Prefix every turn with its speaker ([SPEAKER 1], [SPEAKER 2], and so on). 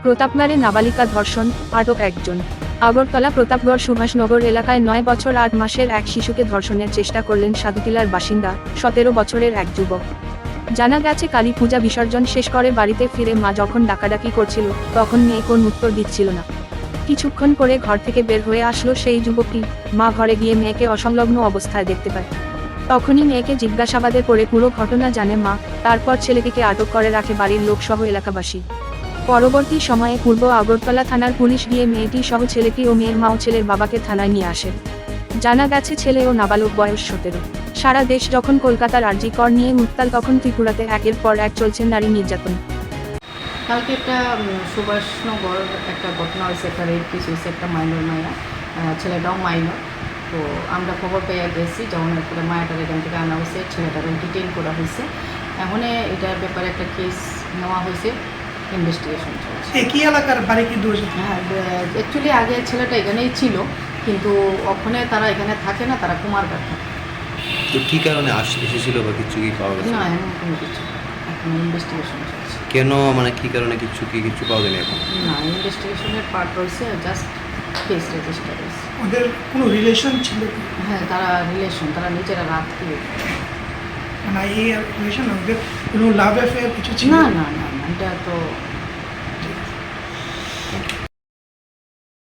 [SPEAKER 1] প্রতাপগড়ে নাবালিকা ধর্ষণ, আটক একজন। আগরতলা প্রতাপগড় সুভাষনগর এলাকায় 9 বছর 8 মাসের এক শিশুকে ধর্ষণের চেষ্টা করলেন সাধুটিলার বাসিন্দা 17 বছরের এক যুবক। জানা গেছে কালী পূজা বিসর্জন শেষ করে বাড়িতে ফিরে মা যখন ডাকাডাকি করছিল তখন মেয়ে কোন উত্তর দিচ্ছিল না। কিছুক্ষণ পরে ঘর থেকে বের হয়ে আসলো সেই যুবকটি। মা ঘরে গিয়ে মেয়েকে অসংলগ্ন অবস্থায় দেখতে পায়। তখনই মেয়েকে জিজ্ঞাসাবাদে করে পুরো ঘটনা জানে মা। তারপর ছেলেটিকে আটক করে রাখে বাড়ির লোকসহ এলাকাবাসী। পরবর্তী সময়ে পূর্ব আগরতলা থানার পুলিশ গিয়ে মেয়েটি সহ ছেলেটি ও মেয়ের মা ও ছেলের বাবাকে থানায় নিয়ে আসে। জানা গেছে ছেলে ও নাবালক বয়স 17। সারা দেশ যখন কলকাতার আরজি কর নিয়ে উত্তাল, তখন ত্রিপুরাতে একের পর এক চলছে নারী নির্যাতন।
[SPEAKER 2] কালকে একটা সুভাষনগর একটা ঘটনা হয়েছে, একটা রেপ কেস হয়েছে, একটা মাইনর মায়া, ছেলেটাও মাইনর। তো আমরা খবর পেয়ে গেছি, যখন একটা মায়াটার এখান থেকে আনা হয়েছে, ছেলেটাকে ডিটেইন করা হয়েছে। এখন এটার ব্যাপারে একটা কেস নেওয়া হয়েছে, ইনভেস্টিগেশন চলছে।
[SPEAKER 3] একই এলাকার বাড়ি কি দোষ?
[SPEAKER 2] হ্যাঁ, অ্যাকচুয়ালি আগে ছেলেটা এখানেই ছিল, কিন্তু ওখানে তারা এখানে থাকে না, তারা কুমারঘাট থাকে।
[SPEAKER 4] তো কী কারণে এসেছিল বা কিছু কি পাওয়া গেছে?
[SPEAKER 2] না, এমন কোনো কিছু না। এখন ইনভেস্টিগেশন চলছে।
[SPEAKER 4] কেন, মানে কী কারণে কিছু পাওয়া যায়নি এখন?
[SPEAKER 2] না, ইনভেস্টিগেশনের পার্ট রয়েছে, জাস্ট কেস রেজিস্টার হয়েছে।
[SPEAKER 3] ওদের কোনো রিলেশন ছিল কি?
[SPEAKER 2] হ্যাঁ, তারা রিলেশন, তারা নিজেরা রাত দিয়ে।
[SPEAKER 3] মানে এই রিলেশন ওদের কোনো লাভ অ্যাফেয়ার কিছু ছিল?
[SPEAKER 2] না না না না, এটা তো